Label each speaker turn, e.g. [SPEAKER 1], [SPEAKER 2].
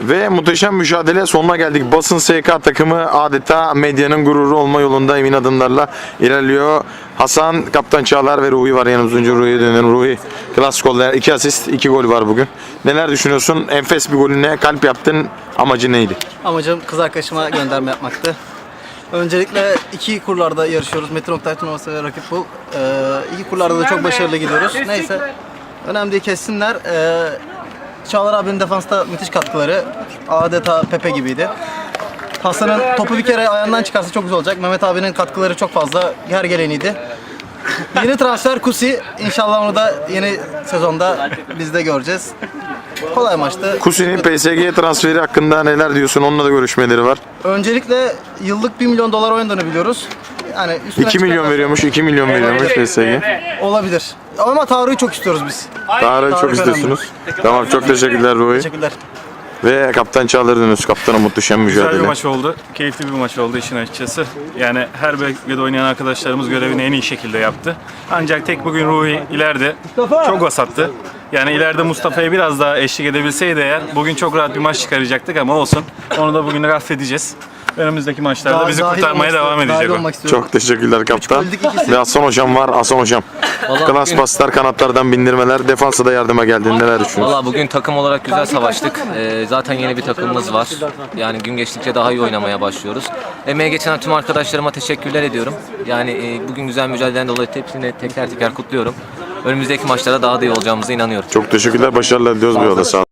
[SPEAKER 1] Ve muhteşem mücadele sonuna geldik. Basın SK takımı adeta medyanın gururu olma yolunda emin adımlarla ilerliyor. Hasan, Kaptan Çağlar ve Ruhi var yanımızda. Önce Ruhi'ye dönelim. Ruhi, klas goller, 2 asist, 2 gol var bugün. Neler düşünüyorsun? Enfes bir golüne kalp yaptın. Amacı neydi?
[SPEAKER 2] Amacım kız arkadaşıma gönderme yapmaktı. Öncelikle iki kurlarda yarışıyoruz. Metin Oktay turnuvası ve rakip bul. İki kurlarda da çok başarılı gidiyoruz. Neyse, önemli değil, kessinler. Çağlar abinin defansta müthiş katkıları. Adeta Pepe gibiydi. Hasan'ın topu bir kere ayağından çıkarsa çok güzel olacak. Mehmet abinin katkıları çok fazla. Her geleniydi. Yeni transfer Kusi. İnşallah onu da yeni sezonda biz de göreceğiz. Kolay maçtı.
[SPEAKER 1] Kusi'nin PSG transferi hakkında neler diyorsun? Onunla da görüşmeleri var.
[SPEAKER 2] Öncelikle yıllık $1 milyon oynadığını biliyoruz. Yani
[SPEAKER 1] 2 milyon veriyormuş, 2 milyon veriyormuş PSG.
[SPEAKER 2] olabilir. Ama Tarık'ı çok istiyoruz biz.
[SPEAKER 1] Tarık'ı çok
[SPEAKER 2] Tarık
[SPEAKER 1] istiyorsunuz. Tamam, çok teşekkürler Ruhi.
[SPEAKER 2] Teşekkürler.
[SPEAKER 1] Ve Kaptan Çağlar'ı dönüyoruz. Kaptan'a muhteşem
[SPEAKER 3] Güzel bir
[SPEAKER 1] mücadele.
[SPEAKER 3] maç oldu. Keyifli bir maç oldu işin açıkçası. Yani her bölgede oynayan arkadaşlarımız görevini en iyi şekilde yaptı. Ancak tek bugün Ruhi ileride çok vasattı. Yani ileride Mustafa'ya biraz daha eşlik edebilseydi eğer bugün çok rahat bir maç çıkaracaktık ama olsun. Onu da bugün affedeceğiz. Önümüzdeki maçlarda bizi kurtarmaya devam edecek o.
[SPEAKER 1] Çok teşekkürler kaptan.
[SPEAKER 2] öldük ikisi.
[SPEAKER 1] Ve Hasan hocam var. Hasan hocam. Klas paslar, kanatlardan bindirmeler, defansa da yardıma geldin. Neler düşünüyorsun?
[SPEAKER 4] Valla bugün takım olarak güzel savaştık. Zaten yeni bir takımımız var. Yani gün geçtikçe daha iyi oynamaya başlıyoruz. Emeğe geçen tüm arkadaşlarıma teşekkürler ediyorum. Yani bugün güzel mücadeleden dolayı hepsini teker teker kutluyorum. Önümüzdeki maçlara daha da iyi olacağımıza inanıyorum.
[SPEAKER 1] Çok teşekkürler. Başarılar diliyoruz bu yolda. Sağ olun.